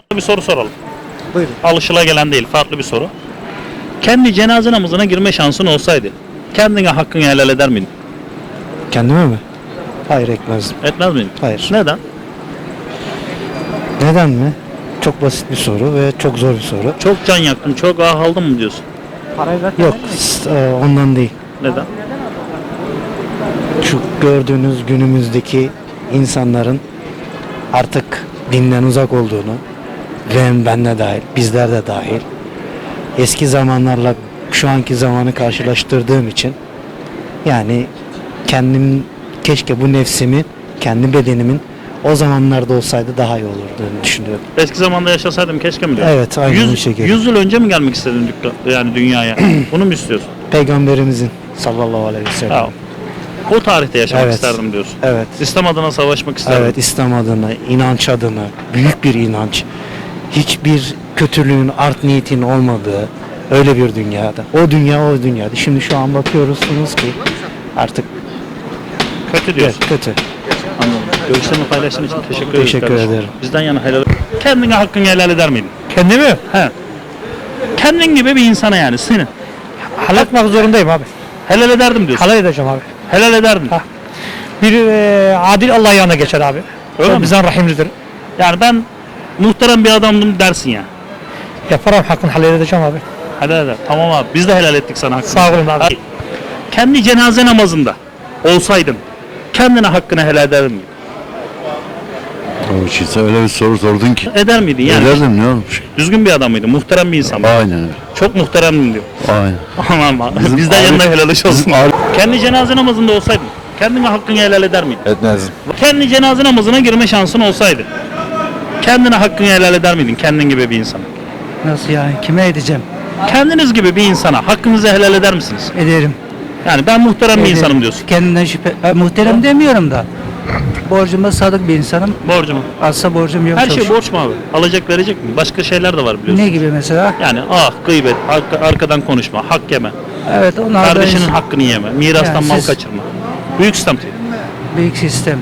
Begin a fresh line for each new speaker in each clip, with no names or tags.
Bir soru soralım.
Buyurun.
Alışılagelen değil, farklı bir soru. Kendi cenaze namazına girme şansın olsaydı, kendine hakkını helal eder miydin?
Kendime mi? Hayır, etmezdim.
Etmez miydin?
Hayır.
Neden?
Neden mi? Çok basit bir soru ve çok zor bir soru.
Çok can yaktım, çok ah aldım mı diyorsun?
Yok, ondan değil.
Neden?
Şu gördüğünüz günümüzdeki insanların artık dinden uzak olduğunu ve ben de dahil, bizler de dahil, eski zamanlarla şu anki zamanı karşılaştırdığım için yani kendim keşke bu nefsimi, kendi bedenimin o zamanlarda olsaydı daha iyi olurdu düşünüyorum.
Eski zamanda yaşasaydım keşke mi diyorsun?
Evet, aynen bu şekilde.
100 yıl önce mi gelmek istedin yani dünyaya? Bunu mu istiyorsun?
Peygamberimizin sallallahu aleyhi ve sellem.
Ya, o tarihte yaşamak
Evet.
isterdim diyorsun.
Evet.
İslam adına savaşmak isterdim.
Evet, İslam adına, inanç adına, büyük bir inanç, hiçbir kötülüğün, art niyetin olmadığı öyle bir dünyada. O dünya o dünyada. Şimdi şu an bakıyorsunuz ki artık
Kötü diyorsun.
kötü.
Anladım. Görüşlerini paylaştığın için teşekkür ederiz.
Teşekkür
kardeşim.
ederim.
Bizden yana helal. Kendine hakkını helal eder miydin?
Kendimi
He. Kendin gibi bir insana yani senin.
halal etmek zorundayım abi.
Helal ederdim diyorsun.
Halal edeceğim abi.
Helal ederdim.
Ha. Bir adil Allah yanına geçer abi.
Öyle
O
mi?
bizden rahimlidir.
Yani ben muhterem bir adamdım dersin ya.
Yaparım, hakkını halal edeceğim abi.
Helal eder. Tamam abi. Biz de helal ettik sana hakkını.
Sağ olun abi.
Kendi cenaze namazında olsaydın kendine hakkını helal eder miydin?
O için öyle bir soru sordun ki.
Eder miydin yani?
Ederdim, ne olmuş?
Düzgün bir adam mıydın? Muhterem bir insan mıydın?
Aynen öyle.
Çok muhteremdim diyor.
Aynen.
Aman aman.
Bizim
Bizden
abi-
yanına helal olsun.
bizim abi-
Kendi cenaze namazında olsaydın kendine hakkını helal eder miydin?
Etmezdim.
Kendi cenaze namazına girme şansın olsaydı kendine hakkını helal eder miydin kendin gibi bir insana?
Nasıl yani? Kime edeceğim?
Kendiniz gibi bir insana hakkınızı helal eder misiniz?
Ederim.
Yani ben muhterem bir
Ederim.
insanım diyorsun.
Kendinden şüphe... muhterem demiyorum da. Borcuma sadık bir insanım.
Borcumu.
Asla borcum yok.
Her
çok
şey
şükür.
borç mu abi? Alacak verecek mi? Başka şeyler de var biliyorsun.
Ne gibi mesela?
Yani gıybet, arkadan konuşma, hak yeme,
Evet, onlar
kardeşinin
da
hakkını yeme, mirastan
Yani
mal
siz-
kaçırma. Büyük sistem.
büyük sistem.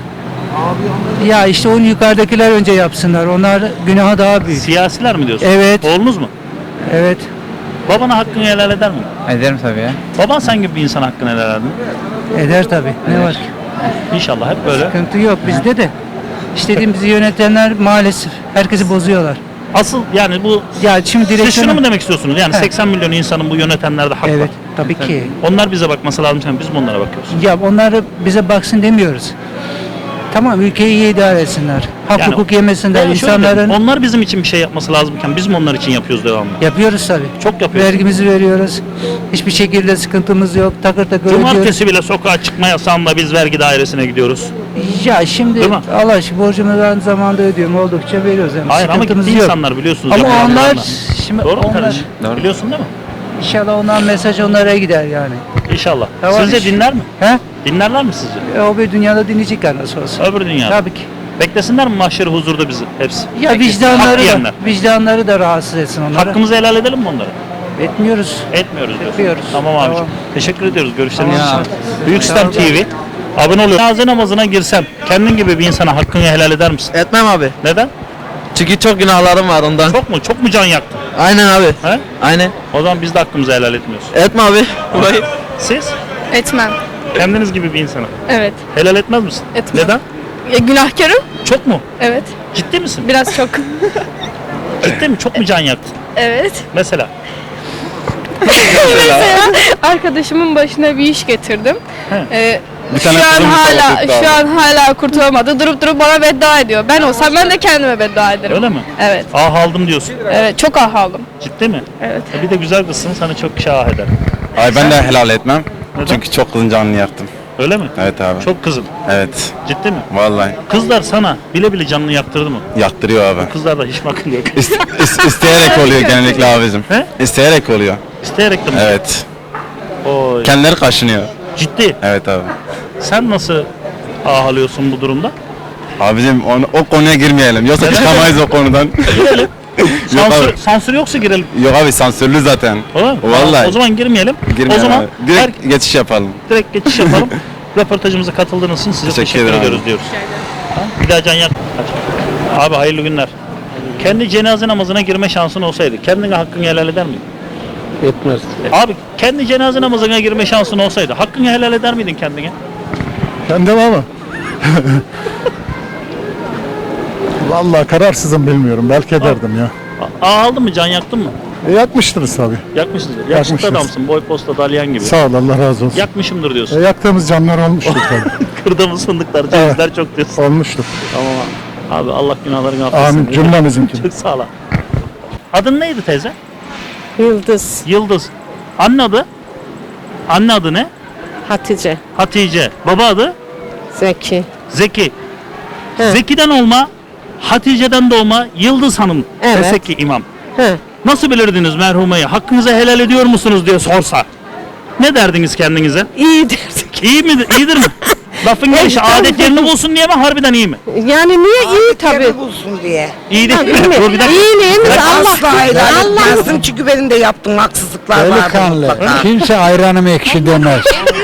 Ya işte onu yukarıdakiler önce yapsınlar. Onlar günahı daha büyük.
Siyasiler mi diyorsun?
Evet.
Oğlunuz mu?
Evet.
Babana hakkını helal eder mi?
Ederim tabii ya.
Baban sen gibi bir insana hakkını helal eder mi?
Eder tabii. Ne var ki?
İnşallah hep böyle.
Sıkıntı yok bizde de. İstediğimizi yönetenler maalesef herkesi bozuyorlar.
Asıl yani bu
Ya şimdi
siz şunu
direksiyonu...
mu demek istiyorsunuz? Yani
He.
80 milyon insanın bu yönetenlerde hak var.
Evet, tabii ki.
Onlar bize bakması lazım, biz mi onlara bakıyoruz?
Ya onları bize baksın demiyoruz. Tamam, ülkeyi iyi idare etsinler. Hak
Yani-
hukuk yemesinler.
Yani şöyle
İnsanların
dedim, onlar bizim için bir şey yapması lazımken biz mi onlar için yapıyoruz devamlı?
yapıyoruz tabii.
Çok yapıyoruz.
Vergimizi veriyoruz. Hiçbir şekilde sıkıntımız yok. Takır takır ödüyoruz.
Cumartesi bile sokağa çıkma yasağında biz vergi dairesine gidiyoruz.
Ya şimdi
Değil mi?
Allah aşkına borcumu ben zamanında ödüyorum. Oldukça veriyoruz. Yani.
Hayır ama
Sıkıntımız
gitti
yok.
insanlar biliyorsunuz.
Ama
yapılan
onlar
yalanlar.
şimdi
Doğru mu
onlar,
kardeşim? Biliyorsun değil mi?
İnşallah ondan mesaj onlara gider yani.
İnşallah.
Tamam.
Sizce dinler mi?
He?
Dinlerler mi sizce?
O bir dünyada dinleyecekler nasıl olsa.
Öbür dünyada.
Tabii ki.
Beklesinler mi mahşeri huzurda bizi hepsi?
Ya
Hak yiyenler.
vicdanları da rahatsız etsin onları.
Hakkımızı helal edelim mi onlara?
Etmiyoruz.
Etmiyoruz diyorsun.
Etmiyoruz.
Tamam abiciğim.
Tamam.
Teşekkür ediyoruz görüşleriniz
Tamam.
için. Büyük Sistem TV. Abone oluyor. Cenaze namazına girsem kendin gibi bir insana hakkını helal eder misin?
Etmem abi.
Neden?
Çünkü çok günahlarım var ondan.
Çok mu? Çok mu can yaktın?
Aynen abi.
He?
Aynen.
O zaman biz de hakkımızı helal etmiyoruz.
Etme abi. Burayı.
Siz?
Etmem.
Kendiniz gibi bir insana.
Evet.
Helal etmez misin?
Etmem.
Neden?
Günahkarım.
Çok mu?
Evet.
Ciddi misin?
Biraz çok.
Ciddi mi? Çok mu can yaktın?
Evet.
Mesela?
Mesela arkadaşımın başına bir iş getirdim. Şu
tane
an
kızım
hala
musallat etti
hala kurtulamadı. Durup durup bana beddua ediyor. Ben olsam ben de kendime beddua ederim.
Öyle mi?
Evet.
Aldım diyorsun.
Evet. Çok aldım.
Ciddi mi?
Evet.
Bir de güzel kızsın sana çok şah eder.
Ay ben de helal etmem.
Neden?
Çünkü çok kızın canını yaktım.
Öyle mi?
Evet abi.
Çok kızım.
Evet.
Ciddi mi?
Vallahi
Kızlar sana bile bile canını yaktırdı mı?
yaktırıyor abi.
Kızlarda hiç akıl yok.
İsteyerek oluyor genellikle abicim.
He?
İsteyerek oluyor.
İsteyerek de mi?
Evet.
Oy.
Kendileri kaşınıyor.
Ciddi.
Evet abi.
Sen nasıl ağlıyorsun bu durumda?
Abicim o konuya girmeyelim. Yoksa çıkamayız o konudan.
Girelim.
Yok
Sansür,
abi.
sansür yoksa girelim.
Yok abi sansürlü zaten.
Olur mu?
Vallahi.
Tamam, o zaman girmeyelim.
Girmeyelim
o zaman
abi. Direkt geçiş yapalım.
direkt geçiş yapalım. Röportajımıza katıldığınız için size
Teşekkür
teşekkür
ederim
ediyoruz
abi.
diyoruz. Ha? Bir daha can yak. Abi hayırlı günler. Kendi cenaze namazına girme şansın olsaydı kendine hakkını helal eder miydin?
Etmez.
Abi kendi cenaze namazına girme şansın olsaydı hakkını helal eder miydin kendine?
Kendim ama. Vallahi kararsızım bilmiyorum. Belki ederdim ya.
Aldın mı, can yaktın mı?
Yakmıştınız tabii.
Yakmışsındır. Yakışıklı
Yakmışız.
adamsın, boy posta dalyan gibi.
Sağ ol, Allah razı olsun.
Yakmışımdır diyorsun.
Yaktığımız canlar olmuştur tabii.
Kırdığımız fındıklar, cevizler çok diyorsun.
Olmuştur.
Tamam abi. Abi Allah günahlarını affetsin.
Amin. Cümlemizinki.
Çok sağ ol. Adın neydi teyze?
Yıldız,
Yıldız. Anne adı? Anne adı ne?
Hatice,
Hatice. Baba adı?
Zeki.
Zeki.
He.
Zeki'den olma, Hatice'den doğma Yıldız Hanım.
Evet.
Desek ki imam.
He.
Nasıl bilirdiniz merhumayı? Hakkınızı helal ediyor musunuz diye sorsa. Ne derdiniz kendinize?
İyi derdik.
İyi midir? İyidir mi? Lafın gelişi adet yerini bulsun diye mi? Harbiden iyi mi?
Yani niye iyi tabii.
bulsun diye.
İyi değil mi? Dur bir dakika.
İyiliğimiz
Asla
Allah.
helal
Allah.
etmezdim çünkü benim de yaptığım haksızlıklar vardı
Delikanlı.
mutlaka.
Kimse ayranım ekşi demez.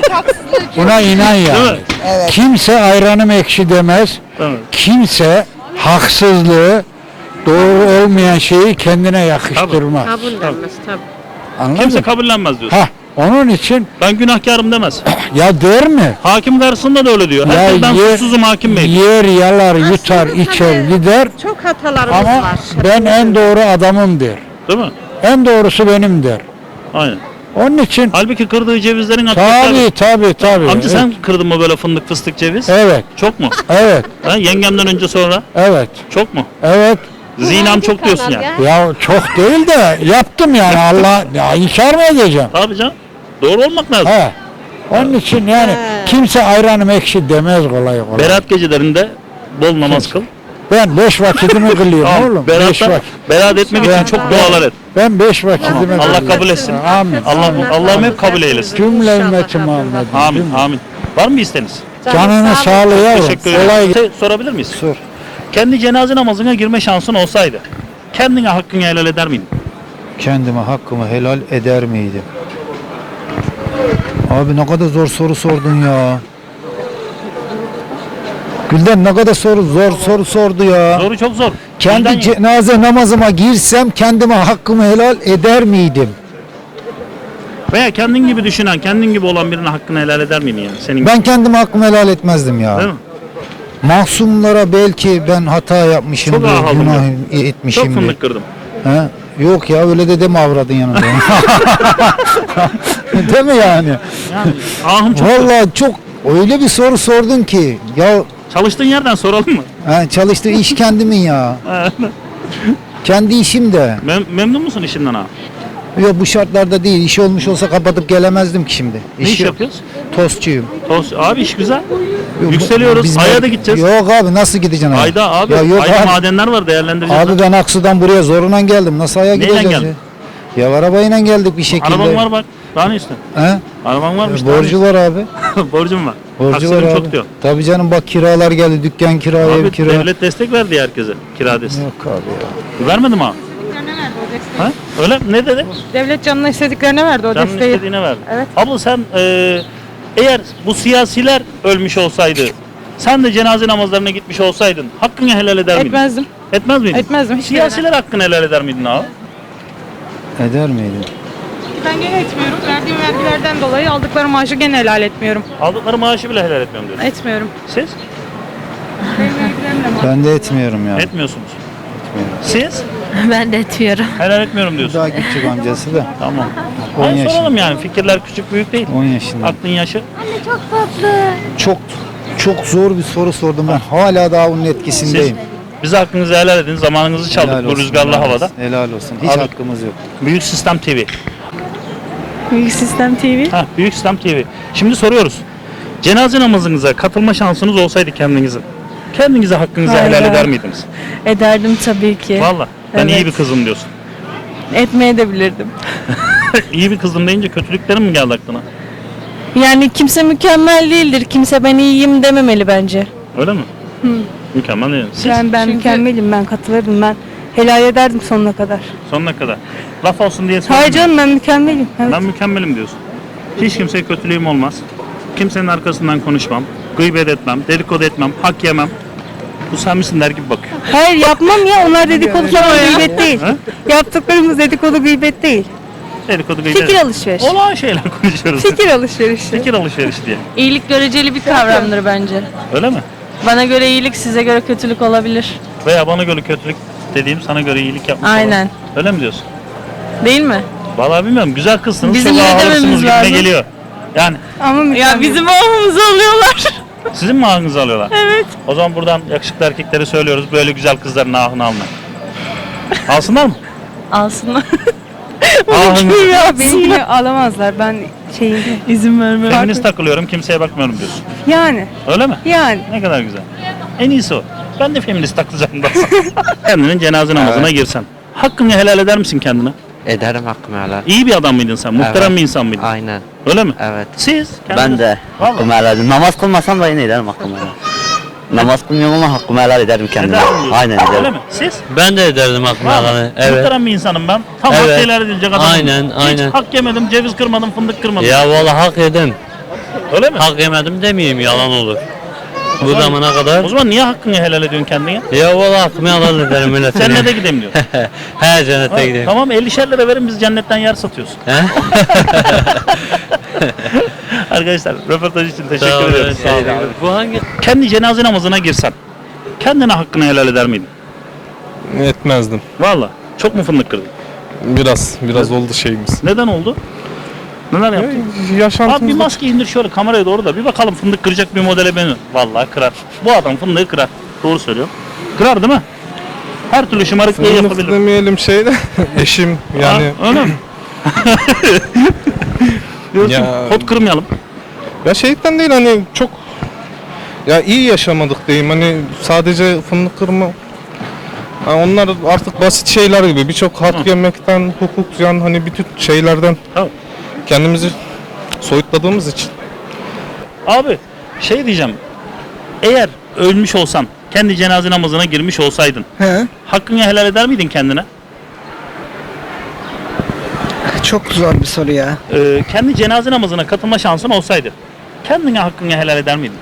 Buna inan
Değil
yani.
mi?
Evet.
Kimse ayranım ekşi demez.
Evet.
Kimse haksızlığı, doğru olmayan şeyi kendine yakıştırmaz.
Kabullenmez tabii.
Anladın
Kimse
mı?
kabullenmez diyorsun.
Hah, onun için
Ben günahkarım demez.
ya der mi?
Hakim karşısında da öyle diyor. Herkes ben suçsuzum hakim bey.
yer yalar, yutar, içer, gider
Çok hatalarımız
ama
var.
ben en doğru adamım der.
Değil mi?
En doğrusu benim der.
Aynen.
Onun için
Halbuki kırdığı cevizlerin
tabii.
Amca sen kırdın mı böyle fındık fıstık ceviz?
Evet,
Çok mu?
evet,
Ha, yengemden önce sonra?
evet,
Çok mu?
evet.
Zinam çok diyorsun yani.
Ya çok değil de yaptım yani Allah ya inkar mı edeceğim?
Tabii canım. Doğru olmak lazım.
He. Onun için yani kimse ayranım ekşi demez kolay kolay.
Berat gecelerinde bol namaz kıl.
Ben 5 vakitimi kılıyorum
Tamam.
oğlum. 5
Berat'ta,
vakit.
berat etmek için çok dualar et.
Ben 5 vakitimi
Allah
kılıyorum.
kabul etsin.
Amin.
Allah'ım hep kabul eylesin.
Cümle ümmeti Muhammed.
Amin. Amin. Var mı bir isteğiniz?
Canını sağlığı yavrum.
Teşekkür
Kolay
ederim. Sorabilir miyiz?
Sor.
Kendi cenaze namazına girme şansın olsaydı kendine hakkını helal eder miydin?
Kendime hakkımı helal eder miydim? Abi ne kadar zor soru sordun ya. Gülden ne kadar zor soru sordu ya.
Doğru, çok zor.
Kendi
Bizden-
cenaze namazıma girsem kendime hakkımı helal eder miydim?
Veya kendin gibi düşünen, kendin gibi olan birine hakkını helal eder miydin yani? Senin
Ben kendime hakkımı helal etmezdim ya.
Değil mi?
Mahsumlara belki ben hata yapmışımdır,
Çok ağladım
günah
Çok
etmişimdir.
fındık kırdım.
He? Yok ya öyle de deme avradın yanında. Değil mi yani?
Yani ahım çok.
Vallahi çok öyle bir soru sordun ki ya
Çalıştığın yerden soralım mı?
çalıştığı iş kendimin ya. Kendi işim de.
Memnun musun işinden abi?
Yok bu şartlarda değil. İş olmuş olsa kapatıp gelemezdim ki şimdi.
Ne iş
yok.
yapıyoruz?
Tostçuyum.
Abi iş güzel.
Yok,
Yükseliyoruz.
biz-
Ay'a da gideceğiz.
Yok abi nasıl gideceksin? Aya?
Ayda abi.
Ya yok
Ayda
abi.
madenler var değerlendireceğiz.
Abi ben Aksu'dan buraya zoruna geldim. Nasıl Ay'a
Neyle
gideceğiz
geldin?
ya? Ya arabayla geldik bir şekilde.
Araban var bak. Daha ne istiyorsun?
He?
Araban varmış.
Borcu var abi.
var. Borcum var.
Borcu
Taksinim
var abi.
çok diyor.
Tabii canım bak kiralar geldi. Dükkan kira, ev
Abi
kira.
devlet destek verdi herkese. Kira destek.
Yok abi ya.
Vermedi mi abi? Ha? Öyle mi? Ne dedi?
Devlet canına istediklerine verdi o
Canın
desteği.
istediğine verdi.
Evet.
Abla sen eğer bu siyasiler ölmüş olsaydı sen de cenaze namazlarına gitmiş olsaydın hakkını helal eder miydin?
Etmezdim.
Etmez miydin?
Etmezdim, hiç
Siyasiler hakkını helal eder miydin abi?
Eder miydi?
Ben gene etmiyorum. Verdiğim vergilerden dolayı aldıkları maaşı gene helal etmiyorum.
Aldıkları maaşı bile helal etmiyorum diyorsun.
Etmiyorum.
Siz?
Ben de etmiyorum ya.
Etmiyorsunuz. Siz?
Ben de etmiyorum.
Helal etmiyorum diyorsun.
Daha küçük amcası da.
Tamam.
10
Hayır,
yaşında.
soralım yani fikirler küçük büyük değil.
10 yaşında.
Aklın yaşı.
Çok zor bir soru sordum ben. Hala daha onun
Siz
etkisindeyim.
bize hakkınızı helal edin. Zamanınızı çaldık
Helal
bu
olsun,
rüzgarlı
helal
havada.
olsun, helal olsun. Hiç
Abi-
hakkımız yok.
Büyük Sistem TV.
Büyük Sistem TV.
Ha, Büyük Sistem TV. Şimdi soruyoruz. Cenaze namazınıza katılma şansınız olsaydı kendinize hakkınızı helal
Hayır.
eder miydiniz?
Ederdim tabii ki.
Valla. Ben
Evet.
iyi bir kızım diyorsun.
Etmeye de bilirdim.
İyi bir kızım deyince kötülüklerim mi geldi aklına?
Yani kimse mükemmel değildir. Kimse ben iyiyim dememeli bence.
Öyle mi? Mükemmel değil. Siz
Ben mükemmelim, ben katılırdım, ben helal ederdim sonuna kadar.
sonuna kadar. Laf olsun diye
Hayır
söylemiyorum.
canım, ben mükemmelim. Evet.
Ben mükemmelim diyorsun. Hiç kimseye kötülüğüm olmaz. Kimsenin arkasından konuşmam. Gıybet etmem, dedikodu etmem, hak yemem. Bu sen misin der gibi bakıyor.
Hayır yapmam ya. Onlar dedikodu falan gıybet değil. Yaptıklarımız dedikodu gıybet değil.
Dedikodu
Fikir alışverişi.
Olağan şeyler konuşuyoruz.
Fikir alışverişi.
Fikir alışverişi diye.
İyilik göreceli bir kavramdır bence.
Öyle mi?
Bana göre iyilik size göre kötülük olabilir.
Veya bana göre kötülük dediğim sana göre iyilik yapmış
Aynen.
olan. Öyle mi diyorsun?
Değil mi?
Vallahi bilmiyorum. Güzel kızsınız.
Bizim
çok
ne
ağırsınız
dememiz
gibime
lazım?
geliyor. Yani
Ama
Ya bizim oğlumuzu alıyorlar.
sizin mi ahınızı alıyorlar?
Evet.
O zaman buradan yakışıklı erkeklere söylüyoruz. Böyle güzel kızların ahını almayın. Alsınlar mı?
Alsınlar.
Ahını.
benimkini alamazlar. Ben
İzin vermem.
Feminist takılıyorum. Kimseye bakmıyorum diyorsun.
yani
Öyle mi?
yani.
Ne kadar güzel. En iyisi o. Ben de feminist takılacağım da. Kendinin cenaze namazına girsen. Hakkını helal eder misin kendine?
Ederim hakkımı helal.
İyi bir adam mıydın sen? Muhterem
Evet.
bir insan mıydın?
Aynen.
Öyle mi?
Evet.
Siz?
Ben de
Vallahi.
hakkımı helal ederim. Namaz kılmasam da yine ederim hakkımı helal. Namaz kılmıyorum ama hakkımı helal ederim kendime.
Eder mi diyorsun?
Aynen
Öyle
ederim.
mi? Siz?
Ben de ederdim hakkımı
Vallahi. Muhterem bir insanım ben. Tam
Evet.
hak helal edilecek adamım.
Aynen, aynen.
Hiç hak yemedim, ceviz kırmadım, fındık kırmadım.
valla hak yedim.
Öyle mi?
Hak yemedim demeyeyim yalan olur.
O zaman- O zaman niye hakkını helal ediyorsun kendine?
Ya valla hakkımı helal ederim öyle
Cennete gideyim diyor.
He cennete
Tamam 50'şer lira verin biz cennetten yer satıyoruz. Arkadaşlar röportaj için teşekkür ederiz. Sağ olun.
Bu hangi?
Kendi cenaze namazına girsen kendine hakkını helal eder miydin?
Etmezdim.
Valla çok mu fındık kırdın?
Biraz oldu şeyimiz.
Neden oldu? Neler yaptın? Abi bir maske indir şöyle kameraya doğru da bir bakalım fındık kıracak bir modele beni. Vallahi kırar. Bu adam fındığı kırar. Doğru söylüyorum. Kırar değil mi? Her türlü şımarıklığı yapabilir.
demeyelim şeyde. Eşim yani.
Ha, öyle mi? Diyorsun
Ya-
pot kırmayalım.
Ya şeyden değil hani çok ya iyi yaşamadık diyeyim hani sadece fındık kırma. Ha, onlar artık basit şeyler gibi birçok hak yemekten, hukukyan hani bütün şeylerden
Tamam.
kendimizi soyutladığımız için.
Abi şey diyeceğim. Eğer ölmüş olsan, kendi cenaze namazına girmiş olsaydın,
He?
hakkını helal eder miydin kendine?
Çok zor bir soru ya.
Kendi cenaze namazına katılma şansın olsaydı, kendine hakkını helal eder miydin?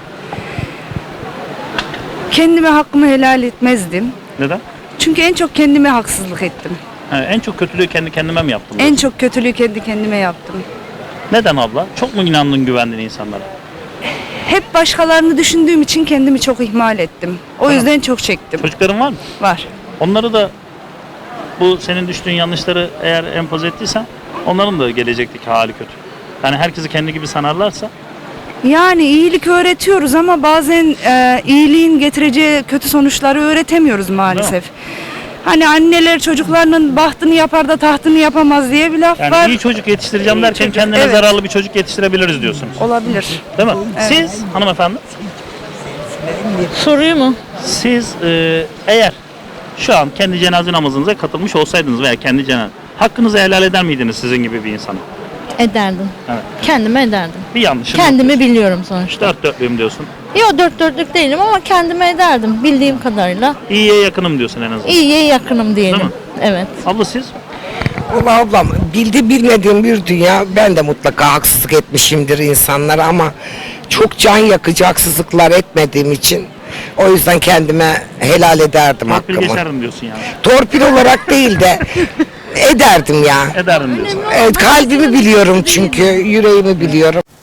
Kendime hakkımı helal etmezdim.
Neden?
Çünkü en çok kendime haksızlık ettim.
En çok kötülüğü kendi kendime mi yaptım?
En çok kötülüğü kendi kendime yaptım.
Neden abla? Çok mu inandın, güvendin insanlara?
Hep başkalarını düşündüğüm için kendimi çok ihmal ettim. O yüzden çok çektim.
Çocukların var mı?
Var.
Onları da bu senin düştüğün yanlışları eğer empoze ettiysen onların da gelecekteki hali kötü. Yani herkesi kendi gibi sanarlarsa
Yani iyilik öğretiyoruz ama bazen iyiliğin getireceği kötü sonuçları öğretemiyoruz maalesef. Hani anneler çocuklarının bahtını yapar da tahtını yapamaz diye bir laf
yani
var.
iyi çocuk yetiştireceğim
İyi
derken
çocuk,
kendine
evet.
zararlı bir çocuk yetiştirebiliriz diyorsunuz.
Olabilir.
Değil mi?
Evet.
Siz hanımefendi,
Soruyu mu?
siz eğer şu an kendi cenaze namazınıza katılmış olsaydınız veya kendi cenaze hakkınızı helal eder miydiniz sizin gibi bir insana?
Ederdim.
Evet.
Kendime ederdim.
Bir yanlışım
Kendimi biliyorum sonuçta.
Dört dörtlüğüm diyorsun.
Yok dört dörtlük değilim ama kendime ederdim bildiğim kadarıyla.
İyiye yakınım diyorsun en azından.
İyiye yakınım diyelim.
Değil mi?
Evet.
Abla siz?
Valla ablam bilmediğim bir dünya ben de mutlaka haksızlık etmişimdir insanlara ama çok can yakıcı haksızlıklar etmediğim için o yüzden kendime helal ederdim
Torpil
hakkımı.
geçerdim diyorsun yani.
Torpil olarak değil de ederdim ya.
Ederdim diyorsun.
Evet, kalbimi biliyorum çünkü yüreğimi biliyorum.